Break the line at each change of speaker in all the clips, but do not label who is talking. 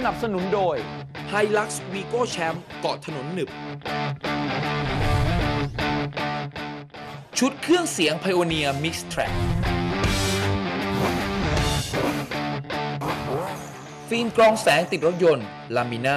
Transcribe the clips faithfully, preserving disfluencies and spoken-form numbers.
นับสนุนโดย
Hilux Vigo Champ เกาะถนนหนึบชุดเครื่องเสียง Pioneer Mix Track ฟิล์มกรองแสงติดรถยนต์ Lamina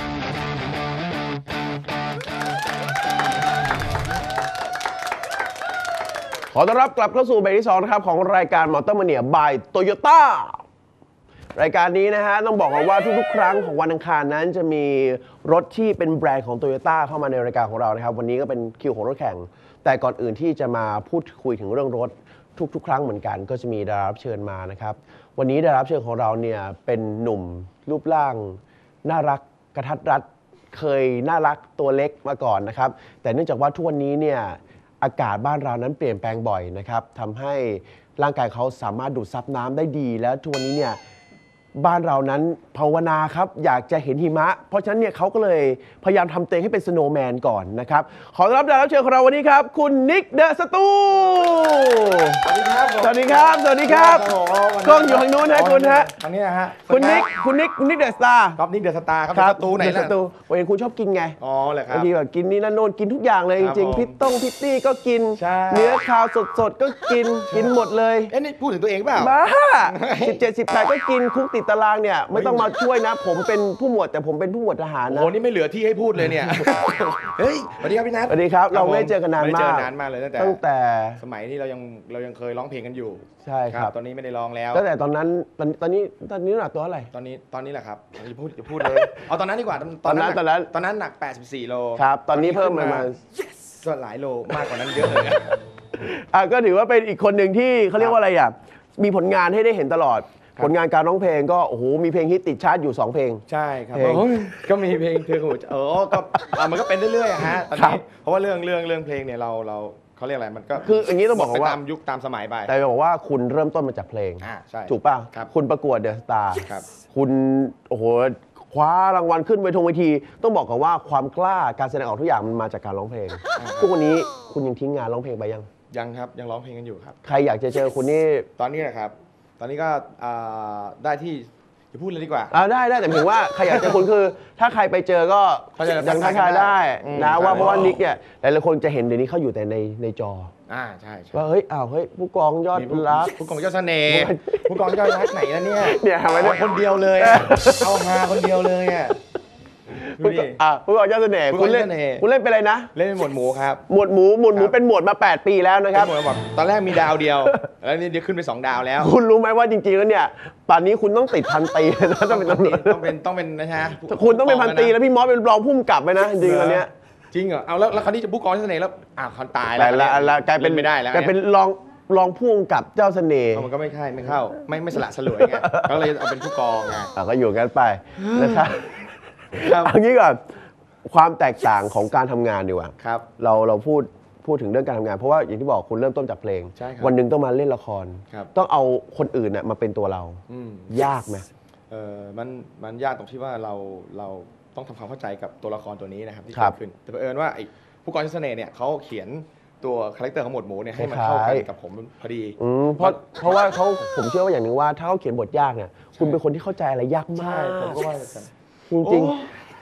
ขอต้อนรับกลับเข้าสู่เบรกที่สองนะครับของรายการมอเตอร์มาเนีย by โตโยต้ารายการนี้นะฮะต้องบอกว่าทุกๆครั้งของวันอังคารนั้นจะมีรถที่เป็นแบรนด์ของโตโยต้าเข้ามาในรายการของเรานะครับวันนี้ก็เป็นคิวของรถแข่งแต่ก่อนอื่นที่จะมาพูดคุยถึงเรื่องรถทุกๆครั้งเหมือนกันก็จะมีดารารับเชิญมานะครับวันนี้ดารารับเชิญของเราเนี่ยเป็นหนุ่มรูปร่างน่ารักกระทัดรัดเคยน่ารักตัวเล็กมาก่อนนะครับแต่เนื่องจากว่าทุกวันนี้เนี่ยอากาศบ้านเรานั้นเปลี่ยนแปลงบ่อยนะครับทำให้ร่างกายเขาสามารถดูดซับน้ำได้ดีแล้วทุกวันนี้เนี่ยบ้านเรานั้นภาวนาครับอยากจะเห็นหิมะเพราะฉะนั้นเนี่ยเขาก็เลยพยายามทำเต็งให้เป็นสโนว์แมนก่อนนะครับขอต้อนรับดารารับเชิญของเราวันนี้ครับคุณนิกเดอะสตูสวัสดีครับสวัสดีครับสวัสดีครับกล้องอยู่ทางนู้นฮะคุณฮะ
ทางนี้นะฮะ
คุณนิกคุณนิกนิกเดอะสตาร์
ครับนิกเดอะสตาร์ครับสตูไหนล่ะสตู
ผมเห็นคุณชอบกินไง
อ๋อเหรอครับ
บางทีแบบกินนี่นั่นโน่นกินทุกอย่างเลยจริงๆพิตต้งพิตตี้ก็กินเนื้อคาวสดๆก็กินกินหมดเลย
เอ๊ะนี่พูดถึงตัวเองเปล่า
บ้าสิบเจ็ด สิบแปดก็กินคุกติดตารางเนี่ยไม่ต้องมาช่วยนะผมเป็นผู้หมวดแต่ผมเป็นผู้หมวดทหารนะ
โอ้นี่ไม่เหลือที่ให้พูดเลยเนี่ยเฮ้ยสวัสดีครับพี่นัท
สวัสดีครับเราไม่เจอกันนานมากไม่
เจอนานมากเลยตั้งแต่
ตั้งแต่
สมัยที่เรายังเรายังเคยร้องเพลงกันอยู่
ใช่ครับ
ตอนนี้ไม่ได้ร้องแล้ว
ตั้งแต่ตอนนั้นตอนตอนนี้ตอนนี้หนักตัวอะไร
ตอนนี้ตอนนี้แหละครับจะพูดจะพูดเลยเอาตอนนั้นดีกว่า
ตอนนั้นตอนนั้น
ตอนนั้นหนักแปดสิบสี่โล
ครับตอนนี้เพิ่มมา
ก็หลายโลมากกว่านั้นเยอะเลย
อ่ะก็ถือว่าเป็นอีกคนหนึ่งที่เขาเรียกว่าอะไรอ่ะมีผลงานให้ได้เห็นตลอดผลงานการร้องเพลงก็โอ้โหมีเพลงฮิตติดชาร์ตอยู่สองเพลง
ใช่ครับก็มีเพลงเพลงเออก็มันก็เป็นเรื่อยๆฮะตอนนี้เพราะว่าเรื่องเรื่องเรื่องเพลงเนี่ยเราเราเขาเรียกอะไรมันก็
คืออย่างนี้ต้องบอกว่า
ตามยุคตามสมัยไป
แต่บอกว่าคุณเริ่มต้นมาจากเพลง
อ่าใช่
ถูกป่ะคุณประกวดเดอะสตาร์คุณโอ้โหคว้ารางวัลขึ้นเวทีเวทีต้องบอกกันว่าความกล้าการแสดงออกทุกอย่างมันมาจากการร้องเพลงทุกวันนี้คุณยังทิ้งงานร้องเพลงไปยัง
ยังครับยังร้องเพลงกันอยู่ครับ
ใครอยากจะเจอคุณนี่
ตอนนี้นะครับตอนนี้ก็ได้ที่จะพูดเลยดีกว่า
ได้ได้แต่ถึงว่าใครอยากเจอคุณคือถ้าใครไปเจอก็ยังทักทายได้นะว่าเพราะว่านิกเนี่ยหลายๆคนจะเห็นเดี๋ยวนี้เขาอยู่แต่ในในจอ
อ่าใช่
ว่าเฮ้ยอ้าวเฮ้ยผู้กองยอดรัก
ผู้กองยอดเสน่ห์ผู้กองยอดรักไหนแล้วเนี่ย
เนี่ยทำไม
คนเดียวเลยเอาฮาคนเดียวเลยอ่ะ
อ่ะผู้กองยอดเสน่ห์คุณเล่นคุณเล่นเป็นอะไรนะ
เล่นเป็นหมวดหมูครับ
หมวดหมูหมวดหมูเป็นหมวดมาแปดปีแล้วนะครับ
ตอนแรกมีดาวเดียวแล้วนี่เดี๋ยวขึ้นไปสองดาวแล้ว
คุณรู้ไหมว่าจริงๆแล้วเนี่ยป่านนี้คุณต้องติดพันตีนะต้องเป็นตำรวจ
ต้องเป็นต้องเป็นนะฮะ
คุณต้องเป็นพันตีแล้วพี่มอสเป็นรองผู้กำกับไปนะจริงๆแล้วเนี่ย
จริงเหรอเอาแล้วแล้วคราวนี้จะผู้กองเสน่ห์แล้วอ่ะเขาตาย
แล้วแล้วกลายเป็น
ไม่ได้แล้ว
กลายเป็นรองรองผู้กำกับเจ้าเสน่ห์
มันก็ไม่ใช่ไม่เข้าไม่ไม่สละสลวยไงก็เลยเอาเป็นผู้กองไง
ก็อยู่กันไปนะครับเอางี้ก่อนความแตกต่างของการทำงานดีกว่า
ครับ
เราเราพูดพูดถึงเรื่องการทำงานเพราะว่าอย่างที่บอกคุณเริ่มต้นจากเพลงวันหนึ่งต้องมาเล่นละครต้องเอาคนอื่นน่ะมาเป็นตัวเรายากไหม
เออมันมันยากตรงที่ว่าเราเราต้องทำความเข้าใจกับตัวละครตัวนี้นะครับที่เกิดขึ้นแต่เผอิญว่าไอ้ผู้กองเสน่ห์เนี่ยเขาเขียนตัวคาแรคเตอร์ของหมวดหมูเนี่ยให้มันเข้ากันกับผมพอดี
เพราะเพราะว่าเขาผมเชื่อว่าอย่างหนึ่งว่าถ้าเขาเขียนบทยากเนี่ยคุณเป็นคนที่เข้าใจอะไรยากมาก
ผมก็ว่า
จริง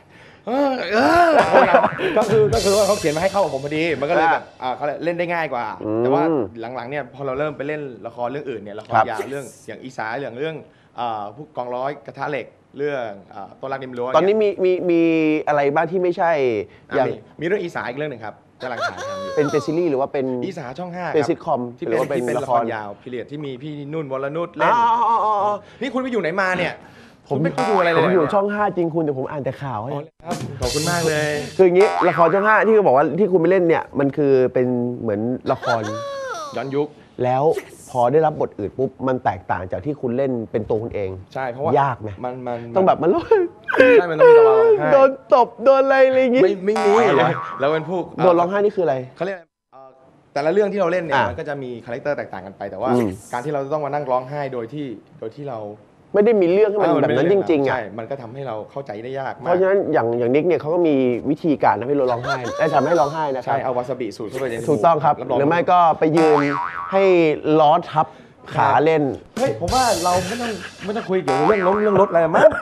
ก็คือก็คือว่าเขาเขียนมาให้เข้ากับผมพอดีมันก็เลยแบบเขาเล่นได้ง่ายกว่าแต่ว่าหลังๆเนี่ยพอเราเริ่มไปเล่นละครเรื่องอื่นเนี่ยละครยาวเรื่องอย่างอีสาเรื่องเรื่องผู้กองร้อยกระทะเหล็กเรื่องตัวรักริมรั้ว
ตอนนี้มีมีมีอะไรบ้างที่ไม่ใช่
อย่างมีเรื่องอีสาอีกเรื่องหนึ่งครับกำลังถ่ายทำอยู่
เป็นเป็นซีรีส์หรือว่าเป็น
อีสาช่องห้า
เป็นซิทคอม
ที่เป็นที่เป็นละครยาวพิเรียดที่มีพี่นุ่นวรนุชเล่นนี่คุณไปอยู่ไหนมาเนี่ย
ผมไม่ดูอะไรเลยผมอยู่ช่องห้าจริงคุณแต่ผมอ่านแต่ข่าวให้
ครับขอบคุณมากเลย
คืออย่างนี้ละครช่องห้าที่เขาบอกว่าที่คุณไปเล่นเนี่ยมันคือเป็นเหมือนละคร
ย้อนยุค
แล้วพอได้รับบทอื่นปุ๊บมันแตกต่างจากที่คุณเล่นเป็นตัวคุณเอง
ใช่เพราะว่าย
ากไหม
มันมัน
ต้องแบบมันร้อง
ใช่มันต้องมีจังหวะร้องไห้
โดนตบโดนอะไรอะไรอย่างงี้
ไม่ไม่มีแล้วเป็นผู้
โดนร้องไห้นี่คืออะไร
เขาเรียกแต่ละเรื่องที่เราเล่นเนี่ยมันก็จะมีคาแรคเตอร์แตกต่างกันไปแต่ว่าการที่เราต้องมานั่งร้องไห้โดยที่โดยที่เรา
ไม่ได้มีเรื่องที่มันแบบนั้นจริงๆอ่ะ
ใช่มันก็ทำให้เราเข้าใจได้ยากมาก
เพราะฉะนั้นอย่างอย่างนิกเนี่ยเขาก็มีวิธีการทำให้เราร้องไห้ได้ทำให้ร้องไห้นะครับ
ใช่เอาวาซาบิสูตรเข้าไปใน
ถูกต้องครับหรือไม่ก็ไปยืนให้ล้อทับขาเล่น
เฮ้ยผมว่าเราไม่ต้องไม่ต้องคุยเกี่ยวกับเรื่องรถเรื่องรถอะไรมั้ง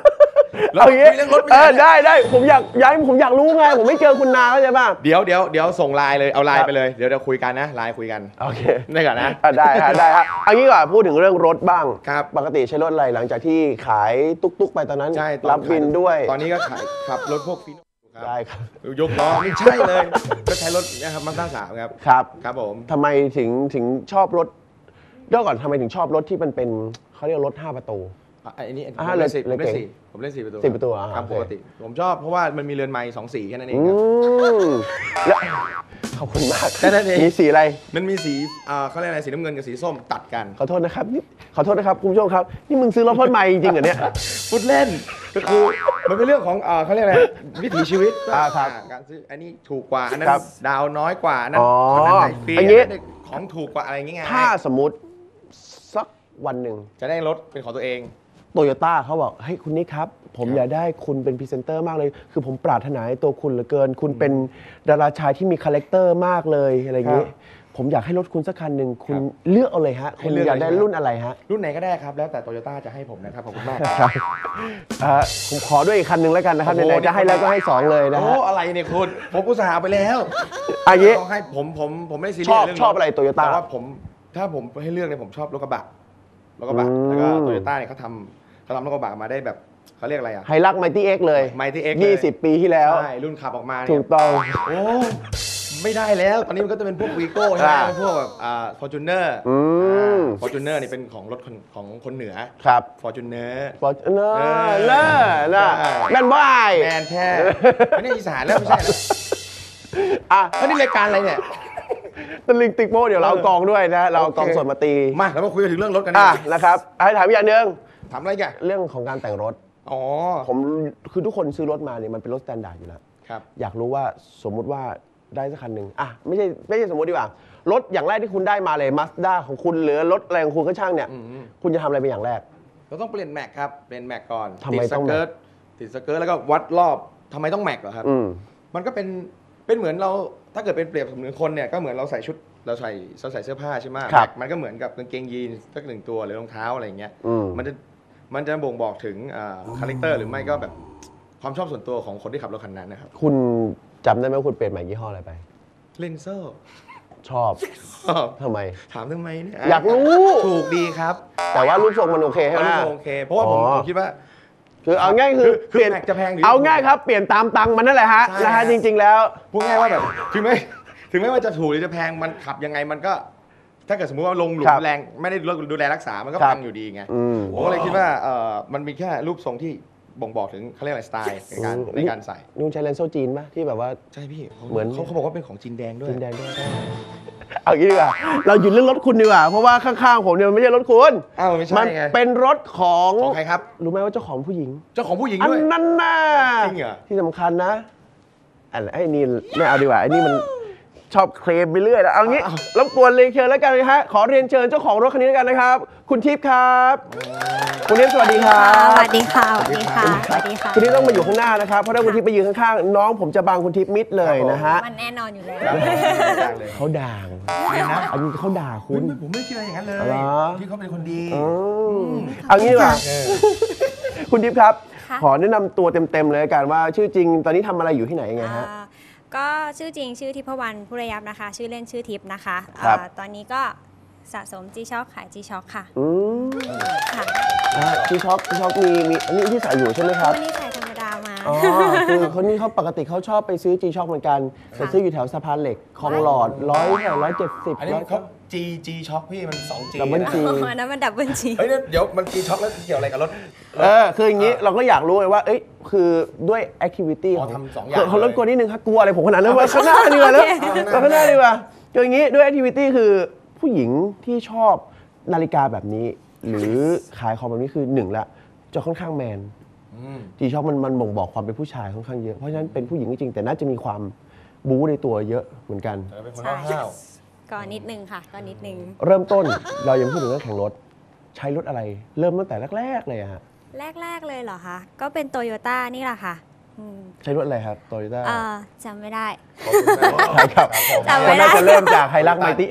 เอาอย่างงี้
เรื่องรถไม่
เอ
ได้
อได้ได้ผมอยากย้ายผมอยากรู้ไงผมไม่เจอคุณนานเข้าใจป่ะ
เดี๋ยวเดี๋ยวเดี๋ยวส่งไลน์เลยเอาไลน์ไปเลยเดี๋ยวเดี๋ยวคุยกันนะไลน์คุยกัน
โอเค
ได้ก่อนนะ
อ่ะได้ฮะได้ฮะเอางี้ก่อนพูดถึงเรื่องรถบ้าง
ครับ
ปกติใช้รถอะไรหลังจากที่ขายตุ๊กๆไปตอนนั้น
ใช่ตอน
รับบินด้วย
ตอนนี้ก็ขายขับรถพวกฟีโน่ครับ
ได้ครับ
ยกล้อไม่ใช่เลยก็ใช้รถเนะครับมาสด้าสามครับ
ครับ
ครับผม
ทำไมถึงถึงชอบรถเดี๋ยวก่อนทำไมถึงชอบรถที่มันเป็นเขาเรียกรถห้าประตู
อ่ะอันนี้ผม
อ่า
เล่นสี่
เลย
ผมเล่น
เก่ง
สี่ผมเล่นสี่ประตู
สี่ประตูอ่ะ
ครับ
โอเค
ปกติผมชอบเพราะว่ามันมีเรือนไม้สองสีแค่นั้นเอง
อื
ครับ
มแล้วขอบคุณมาก
แค่นั้นเอง
มีสีอะไร
มันมีสีอ่าเขาเรียกอะไรสีน้ำเงินกับสีส้มตัดกัน
ขอโทษนะครับนี่ขอโทษนะครับคุณผู้ชมครับนี่มึงซื้อรถพ่นไม้จริงๆเหรอเนี่ย
พูดเล่นก็คือมันเป็นเรื่องของอ่าเขาเรียกอะไรวิถีชีวิต
อ่าครับ
อ่าการซื้ออันนี้ถูกกว่าอันนั้น
ครับ
ดาวน้อยกว่าอันนั้น
อ๋อ
อันนั้นได้ฟรี
อั
อั
น
น
นี้
นั้นได้ของถูกกว่าอะไรอย่างเงี้ย
ถ้าสมมติสักวันหนึ่ง
จะได้รถเป็นของตัวเอง
โตโยต้าเขาบอกเฮ้ยคุณนิกครับ ผม
ครับ
อยากได้คุณเป็นพรีเซนเตอร์มากเลย คือผมปรารถนาในตัวคุณเหลือเกิน คุณเป็นดาราชายที่มีคาแรคเตอร์มากเลยอะไรอย่างนี้
ครับ
ผมอยากให้รถคุณสักคันหนึ่งคุณ
ครับ
เลือกเอาเลยฮะ
ให้
คุณ
เลือก
อยากได้
เลยใช่ไหม
รุ่นอะไรฮะ
รุ่นไหนก็ได้ครับ แล้วแต่โตโยต้าจะให้ผมนะครับขอบคุณมาก
ครับอ่าผมขอด้วยอีกคันหนึ่งแล้วกันนะครับ
โอ้โห
ไหนๆจะให้แล้วก็ให้สองเลยนะ
โอ้
ฮะ
อะไรเนี่ยคุณผมอุตส่าห์ไปแล้ว
อันนี้
ต้องให้ผมผมผมไม่ได้ซีเรี
ช
ย
อบ
สเรื่อง
ชอบอะไร Toyota
แต่ว่าผมถ้าผมให้เลือกเนี่ยผมชอบรถกระบะรถกระบะ
อืม
แล้วก็โตโยต้าเนี่ยเขาทำเขาทำรถกระบะมาได้แบบเขาเรียกอะไรอ่ะ
ไฮลักไมตี้เอ็กเลย
Mighty X เลย
ยี่สิบปีที่แล้ว
ใช่รุ่นขับออกมา
ถู
เนี่ย
กต้อง
โอ้ไม่ได้แล้ว ตอนนี้มันก็จะเป็นพวกวีโก้ใช่ไหม
อ่า
พวกแบบอ่าฟอร์จูเนอร์
อืม
ฟอร์จูเนอร์นี่เป็นของรถคนของคนเหนือ
ครับ
ฟอร์จูเนอร์
ฟอร์เนอ
เออ
ร์เนอร์นะ
ใช่
แมนบาย
แมนแท้ไม่ได้อีสานแล้วไม่ใช่นะ
อ่ะ
แล้วนี่รายการอะไรเนี่ย
ตะลิงติ๊กโป้เดี๋ยวเราเอากองด้วยนะ เราเอากองสดมาตี
มาเรามาคุยกันถึงเรื่องรถกัน
อ่ะ
นะ
นะครับให้ถามอีกอย่างหนึ่ง
ถามอะไรกัน
เรื่องของการแต่งรถ
อ๋อ
ผมคือทุกคนซื้อรถมาเนี่ยมันเป็นรถสแตนดาร์ดอยู่แล้ว
ครับ
อยากรู้ว่าสมมุติว่าได้สักคันหนึ่งอ่ะไม่ใช่ไม่ใช่สมมติดีกว่ารถอย่างแรกที่คุณได้มาเลยมาสด้าของคุณหรือรถอะไรของคุณก็ช่างเนี่ย
อืม
คุณจะทำอะไรเป็นอย่างแรก
เราต้องเปลี่ยนแม็กครับเปลี่ยนแม็กก่อน
ทำไม
ติดส
ต้อง
เกิร์ตติดสเกิร์ตแล้วก็วัดรอบทำไมต้องแม็กเหรอครับ
อืม
มันก็เป็นเป็นเหมือนเราถ้าเกิดเป็นเปรียบเสมือนคนเนี่ยก็เหมือนเราใส่ชุดเราใส่เราใส่เสื้อผ้าใช่ไหม
ครับ
แม็กมันก็เหมือนกับกางเกงยีนสักหนึ่งตัวหรือรองเท้าอะไรอย่างเงี้ย
อืม
มันจะมันจะบ่งบอกถึงคาแรคเตอร์หรือไม่ก็แบบความชอบส่วนตัวของคนที่ขับรถคันนั้นนะครับ
คุณจำได้ไหมว่าคุณเปลี่ยนใหม่ยี่ห้ออะไรไป
เลนเซอร์
ชอบทำไม
ถามทำไมเนี่ย
อยากรู้
ถูกดีครับ
แต่ว่ารูปทรงมันโอเคใช่ไหม
โอเค เพราะว่าผม
อ๋อ
ผมคิดว่า
คือเอาง่ายคือ
คือ
เปลี่ยน
แม็กจะแพงหรือ
เอาง่ายครับเปลี่ยนตามตังค์มันนั่นแหละฮะ
ใช่
นะฮะ
ฮะ
จริง ๆ แล้ว
พูดง่ายว่าแบบถึงแม้ถึงแม้ว่าจะถูกหรือจะแพงมันขับยังไงมันก็ ถ้าเกิดสมมุติว่าลงหลุ
ครั
ม
บ
แรงไม่ได้ดูแลรักษามันก็
ครับ
พังอยู่ดีไง
อืม
ผมก็เลยคิดว่าเออมันมีแค่รูปทรงที่บ่งบอกถึงเขาเรียกอะไรสไตล์ในการ
อืม
ในการใส่
นุ่งใช้เลนส์โซ่จีนปะที่แบบว่า
ใช่พี่
เหมือน
เขาเขาบอกว่าเป็นของจีนแดงด้วย
จีนแดงด้วยเอาอย่างนี้ดีกว่าเราหยุดเรื่องรถคุณดีกว่าเพราะว่าข้างๆผมเนี่ยมันไม่ใช่รถคุณ
อ้าวไม่ใช่
มัน
ไง
เป็นรถของ
ของใครครับ
รู้ไหมว่าเจ้าของผู้หญิง
เจ้าของผู้หญิง
อัน
ด้วย
นั้นน่ะ
จริงเหรอ
ที่สำคัญนะอันไอ้นี่ไม่เอาดีกว่าไอ้นี่มันชอบเคลมไปเรื่อยแล้วเอางี้รบกวนเรียนเชิญแล้วกันนะฮะขอเรียนเชิญเจ้าของรถคันนี้แล้วกันนะครับ คุณทิพย์ครับคุณทิพย์สวัสดีครั
ส
บ
วัสดีค่ะ สวัสดีค่ะ สวัสดีค่ะ
คุณทิพย์ต้องมาอยู่ข้างหน้านะครับเพราะถ้าคุณทิพย์ไปยืนข้างๆน้องผมจะบังคุณทิพย์มิดเลยนะฮะ
มันแน่นอนอยู่แล้ว
ครับผมเลย
เขาด่าง
เนี่ยนะ
อันนี้เขาด่าคุ
คุณ
ณ
ผมไม่คิดอะไรอย่างนั้นเลย
เหรอ
ที่เขาเป็นคนดี
อืมเอางี้ดีกว่า
เออ
คุณทิพย์ครับ
ค่ะ
ขอแนะนำตัวเต็มๆเลยละกันว่าชื่อจริงตอนนี้ทำอะไรอยู่ที่ไหนยังไงฮะ
อ่าก็ชื่อจริงชื่อทิพวรรณผู้ระยับนะคะ ชื่อเล่นชื่อทิพย์นะคะ
ครับ
อ่าตอนนี้ก็สะสม G-Shock ขาย G-Shock ค่ะ
อืม
ค่ะ
ที่ช็อปที่ช็อปมีมีอันนี้ที่ใส่อยู่ใช่ไหมครับ
วันนี้ใส่ธรรมดามา
อ๋อคือคนนี้เขาปกติเขาชอบไปซื้อจีช็อปเหมือนกันแต่ซื้ออยู่แถวสะพานเหล็กคลองหลอดร้อยแถวร้อยเจ็ดสิบ
อันนี้เขา G G Shock พี่มัน สอง G
ดับเบิล
นะ
จี
อ๋ออันนั้นมันดับเบิลจี
เฮ้ยเดี๋ยวมัน G Shock แล้วเกี่ยวอะไรกับรถ
เออคืออย่างนี้เราก็อยากรู้เลยว่าเอ้ยคือด้วยแอคทิวิตี้
อ๋
ข
อ
อง
ทำสองอย่าง
เขา
เลย
รบกวนนิดนึงครับกลัวอะไรผมขนาดนั้นว่าข้างหน้าดีกว่าแล้วข้างหน้าดีกว่าคืออย่างนี้ด้วยแอคทิวิตี้คือผู้หญิงที่ชอบนาฬิกาแบบนี้ หรือขายของแบบนี้คือหนึ่งละจะค่อนข้างแมน
อืม
จีช็อปมันมันบ่งบอกความเป็นผู้ชายค่อนข้างเยอะเพราะฉะนั้นเป็นผู้หญิงก็จริงแต่น่าจะมีความบู๊ในตัวเยอะเหมือนกัน
แต่เป็นคน
ใช่
ห้าว
ก็นิดนึงค่ะ ก็นิดนึง
เริ่มต้นเรายังพูดถึงเรื่องแข่งรถ ใช้รถอะไร เริ่มตั้งแต่แรกๆเลยอะฮะ
แรก ๆ เลยเหรอคะ ก็เป็นโตโยต้านี่แหละค่ะอืม
ใช้รถอะไรครับโตโยต้า
เอ่อจำไม่ได้
ขอบคุณมาก
ใช่ครับ
จำไม่
ก็
ได้
น่าจะเริ่มจากไฮรักไมตี้เอ็ก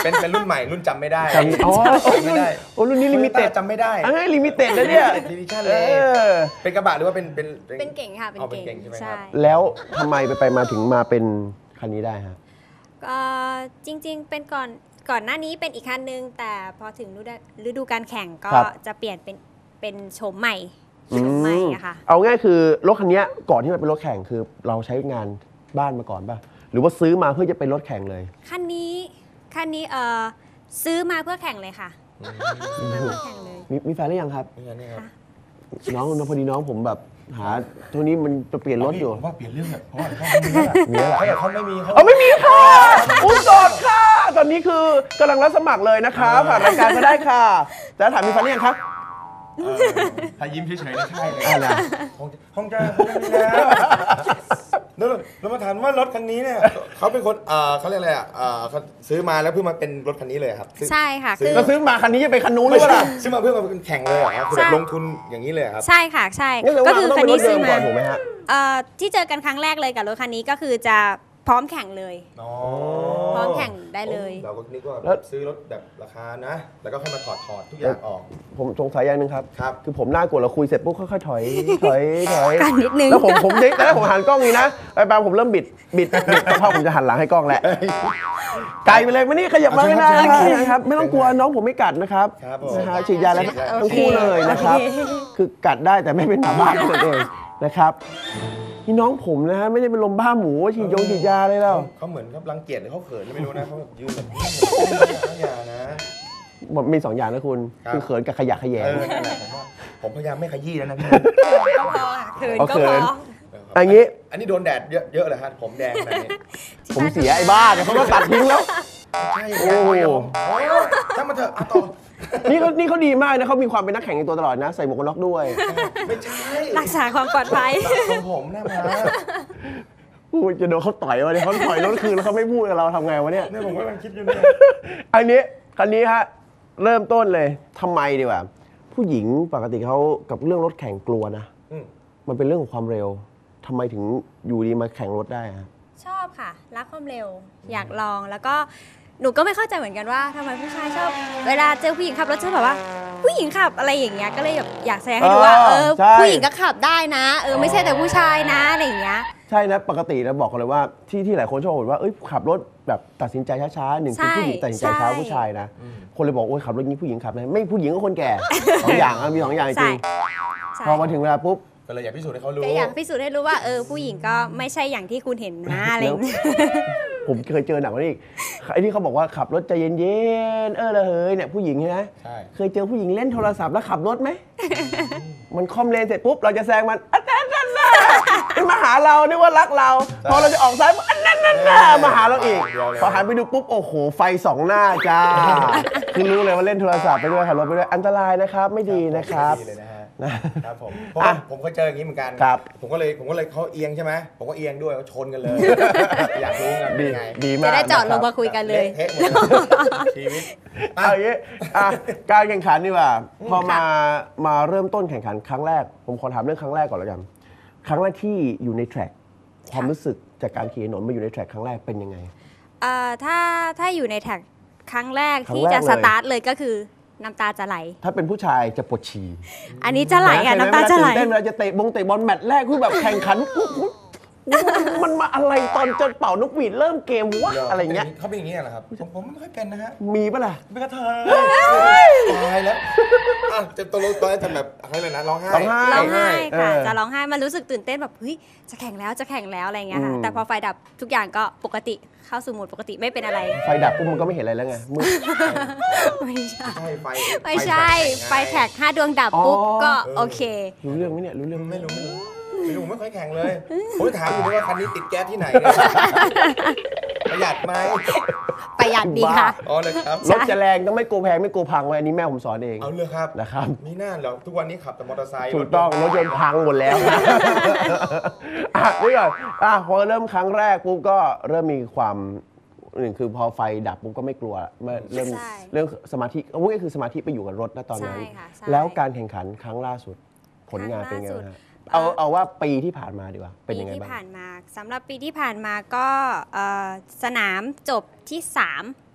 เป็นเป็นรุ่นใหม่รุ่นจำไม่ได้
จำอ๋อ
จำไม่ได้
โอ้รุ่นนี้ลิมิเต็ด
จำไม่ได้
เอ้ยลิมิเต็ดนะเนี่ย
ดิวิชั่น
เอ
เลย
อ
เป็นกระบะหรือว่าเป็นเป็น
เป็นเก่งค่ะ เป็น
อ๋อเป็น
เก่ง
เก่งใช่ไหมครับ
ใช่
แล้วทำไมไปไปมาถึงมาเป็นคันนี้ได้ฮะ
เอ่อจริงๆ เป็นก่อนก่อนหน้านี้เป็นอีกคันนึง แต่พอถึงฤดูฤดูการแข่งก็
ครับ
จะเปลี่ยนเป็นเป็นโฉมใหม่โฉมใหม่อะค่ะ
เอาง่ายคือรถคันนี้ก่อนที่มันเป็นรถแข่งคือเราใช้งานบ้านมาก่อนป่ะหรือว่าซื้อมาเพื่อจะเป็นรถแข่งเลย
คันนี้คันนี้เอ่อซื้อมาเพื่อแข่งเลยค่ะซื้อมาเพื่อแข่งเลย
มีมีแฟนหรือยังครับ
นี่ไงนี่ครับ
น้องพอดีน้องผมแบบหาตัวนี้มันจะเปลี่ยนรถอยู่
ผมว่าเปลี่ยนเรื่องแบบเพราะว่าเขาไม่มีแล้ว
มีแล้วเหรอ
เขาอยากเขาไม่มีเขา
เอาไม่มีค่ะอุ้ยโสดค่ะ ตอนนี้คือกำลังรับสมัครเลยนะคะผ่านรายการก็ได้ค่ะแต่ถามมีแฟนหรือยังครับ
เออถ้ายิ้มเฉยๆนะใช่เลย
อ่านะ
คงจะคงจะคงจะมีแล้วแล้วเรามาถามว่ารถคันนี้เนี่ยเขาเป็นคนเอ่อเขาเรียกอะไรอ่ะเอ่อเขาซื้อมาแล้วเพิ่งมาเป็นรถคันนี้เลยครับซื้อ
ใช่ค่ะ
ซื้
คือ
ก็ซื้อมาคันนี้จะไปคันนู้นหรื
ไม่
อเป
ใช่
ล่า
ซื้อมาเพื่อมาเป็นแข่งเลยเหรอครับคือแบบ
ใช่
ลงทุนอย่างนี้เลยเหรอครับ
ใช่ค่ะใช่
งั้นแสดง
ก็
ว่า
คือ
ต้อง
คัน
เป็นร
นี้
ถเดิ
ซื้อ
มก่
มา
อนถูกไหมฮะ
เอ่อที่เจอกันครั้งแรกเลยกับรถคันนี้ก็คือจะพร้อมแข่งเลย
อ๋อ
พร้อมแข่งได้เลย
เราก็นึกว่า
แล้ว
ซื้อรถแบบราคานะ แล้วก็ค่อยมาถอดถอดทุกอย่างออก
ผมสงสัยอย่างหนึ่งครับ
ครับ
คือผมหน้ากลัวเราคุยเสร็จปุ๊บค่อยๆถอย ถอย ถอย
กันนิดนึง
แล้วผมผมแต่แรกผมหันกล้องนี้นะไปบางผมเริ่มบิด บิด บิดแต่พอผมจะหันหลังให้กล้องแหละ ไกลไปเลยมานี่ขยับมาไม่ได้
โอเค
นะครับ ไม่ต้องกลัวน้องผมไม่กัดนะครับ
ครับผม
นะฮะฉีดยาแล้ว
โอเค
ทั้งคู่เลยนะครับ
โอเค
คือกัดได้แต่ไม่เป็นหมาบ้านั่นเองนะครับนี่น้องผมนะฮะไม่ได้เป็นลมบ้าหมูฉีดยงฉีดยาเลยแล้ว
เขาเหมือนเขารังเกียจหรือเขาเขินไม่รู้นะเขาแบบยืนแบบอย่านะ
มันมีสองอย่างนะคุณ
ครับ
คือเขินกับขยะแขย
เอง อนั่นแหละผมว่าผมพยายามไม่ขยี้แล้วนะพี่
ก็พอค่ะเขิน
เอา
ก็
เขิ
พอน
อันนี้
อันนี้โดนแดดเยอะเยอะเลยฮะผมแดงขนาดนี้
ผมเสียไอ้บ้าเนี่ยเขาก็ตัดทิ้งแล้ว
ใช่
โอ้โห
โอ้ช่างมาเถอะเอาต่อ
นี่เขานี่เขาดีมากนะเขามีความเป็นนักแข่งในตัวตลอดนะ ใส่หมวกกันน็อกด้วย
ไม่ใช่
รักษาความปลอดภัย
ของผมหน้ามา
พูดจะโดนเขาต่อยวะเนี่ยเขาถอยรถคืนแล้วเขาไม่พูดกับเราทำไงวะเนี่ย
เนี่ยผมกำลังคิดอยู่เนี่ย
อันนี้คันนี้ฮะเริ่มต้นเลยทำไมดีกว่า ผู้หญิงปกติเขากับเรื่องรถแข่งกลัวนะ
อืม
มันเป็นเรื่องของความเร็วทำไมถึงอยู่ดีมาแข่งรถได้ฮะ
ชอบค่ะ รักความเร็ว อยากลองแล้วก็หนูก็ไม่เข้าใจเหมือนกันว่าทำไมผู้ชายชอบ เวลาเจอผู้หญิงขับรถชอบแบบว่า ผู้หญิงขับอะไรอย่างเงี้ยก็เลยแบบอยากแสดงให้ดูว่า
เอ
เอ
อ
อ
ใช่
ผู้หญิงก็ขับได้นะ เออไม่ใช่แต่ผู้ชายนะอะไรอย่างเงี้ย
ใช่นะปกตินะบอกกันเลยว่าที่ที่หลายคนชอบบอกว่าเอ้ยขับรถแบบตัดสินใจช้าๆหนึ่งคือ
ใช่
ผู้หญิงตัดสินใจช้า
ใช่
ผู้ชายนะคนเลยบอกโอ้ยขับรถนี้ผู้หญิงขับนะไม่ผู้หญิงก็คนแก่ สองอย่างอะมีสองอย่างจ
ใช่
ริง
ใช่
พอมาถึงเวลาปุ๊บ
ก็เลยอยากพิสูจน์ให้เขารู้
ก็อยากพิสูจน์ให้รู้ว่าเออผู้หญิงก็ไม่ใช่อย่างที่คุณเห็นนะอะไรอย่างเงี้ย
ผมเคยเจอหนักกว่านี้อีกไอ้ที่เขาบอกว่าขับรถใจเย็นๆเออละเฮ้ยเนี่ยผู้หญิงใช่ไหม
ใช่
เคยเจอผู้หญิงเล่นโทรศัพท์แล้วขับรถไหม มันคอมเลนเสร็จปุ๊บเราจะแซงมันอันนั้นนั่นน่ะมันมาหาเรานึกว่ารักเรา พอเราจะออกซ้ายปุ๊บอันนั้นนั่นน่ะมาหาเราอีกพอหันไปดูปุ๊บโอ้โหไฟสองหน้าจ้าคือรู้เลยว่าเล่นโทรศัพท์ไปด้วยขับรถไปด้วยอันตรายนะครับไม่ดีนะครับ
ไม่ดีเลยนะฮะ
นะครับ
ผมเพราะ
อ่ะ
ว่าผมเคยเจออย่างนี้เหมือนกัน
ครับ
ผมก็เลยผมก็เลยเขาเอียงใช่ไหมผมก็เอียงด้วยเขาชนกันเลย อยากรู้กันเป็น
ดี
ไง
ดีมาก
จะได้จอดลง
นะครั
มา
บ
คุยกันเลย
เละเทะหมดชีวิตอ่ะ
เอาอย่างนี้อ่ะการแข่งขันดีกว่าพอมามาเริ่มต้นแข่งขันครั้งแรก ผมขอถามเรื่องครั้งแรกก่อนแล้วกัน ครั้งแรกที่อยู่ในแทร็กความรู้สึกจากการขี่ถนนมาอยู่ในแทร็กครั้งแรกเป็นยังไง
เอ่อถ้าถ้าอยู่ในแท็กครั้งแรก
ครั้ง
ที่
แรก
จะ
เลย
สตาร์ทเลยก็คือน้ำตาจะไหล
ถ้าเป็นผู้ชายจะปวดฉี่
อันนี้จะไหลอ่ะ
เว
น้ำตาจะไหล
เวลตื่นเต้นเวลาจะเตะบงเตะบอลแมตช์แรกคือแบบแข่งขันอุ๊ยอุ๊ยมันมาอะไรตอนจะเป่านกหวีดเริ่มเกมวะอะไรเงี้ย
เขาเป็นอย่างนี้เหรอครับผมผมไม่ค่อยเป็นนะฮะ
มีปะล่ะ
เป็นกระเทยตายแล้วอ่ะจะตกลงตอนนั้นจะแบบอะไรเลยนะร้องไห้
ร้องไห้
ร้องไห้ค่ะ
เออ
จะร้องไห้มันรู้สึกตื่นเต้นแบบเฮ้ยจะแข่งแล้วจะแข่งแล้วอะไรเงี้ยค่ะ
อืม
แต่พอไฟดับทุกอย่างก็ปกติเข้าสู่โหมดปกติไม่เป็นอะไร
ไฟดับปุ๊บมันก็ไม่เห็นอะไรแล้วไงมืด
ไม่ใช่
ใช่ไฟ
ไม่ใช่ไฟแท็กห้าดวงดับปุ๊บ
อ๋อ
ก็โอเค
รู้เรื่องไหมเนี่ยรู้เรื่องไหม
ไม่รู้ไม่รู้ไม่รู้ผมไม่ค่อยแข่งเลยผมถามอยู่ด้วยว่าคันนี้ติดแก๊สที่ไหนเนี่ยประหยัดไหม
ประหยัดดีค่ะ
อ๋อเลยครับ
รถจะแรงต้องไม่กลัวแพงไม่กลัวพังไว้อันนี้แม่ผมสอนเอง
เอาเลยครับ
นะครับ
มีหน้าเหรอทุกวันนี้ขับแต่มอเตอร์ไซค์
ถูกต้องรถยนต์พังหมดแล้ว อ่ะนี่ก่อนอ่ะพอเริ่มครั้งแรกปุ๊บก็เริ่มมีความหนึ่งคือพอไฟดับปุ๊บก็ไม่กลัวเมื่อเริ่ม
ใช่
เรื่องสมาธิเอาง่ายๆคือสมาธิไปอยู่กับรถนะตอนนั้น
ใช่ค่ะใช่
แล้วการแข่งขันครั้งล่าสุด ผลงานเป็นไง
ครั้ง
บ้าง
ล่าสุด
ฮะเอาเอาว่าปีที่ผ่านมาดีกว่าเป็น
ปี
ยังไง
ที่
บ้าง
ผ่านมาสำหรับปีที่ผ่านมาก็เอ่อสนามจบที่สาม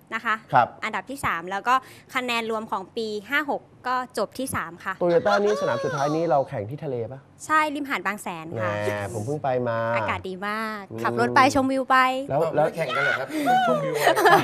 นะคะ
ครับ
อันดับที่ สาม แล้วก็คะแนนรวมของปี ห้าหก ก็จบที่ สาม ค่ะ
โตโยต้านี่สนามสุดท้ายนี้เราแข่งที่ทะเลปะ
ใช่ริมหาดบางแสน
แหม
ค่ะ
ผมเพิ่งไปมา
อากาศดีมาก
อืม
ขับรถไปชมวิวไป
แล้ว
แล้
แล้ว ว
แข่งกันเหรอครับชมวิว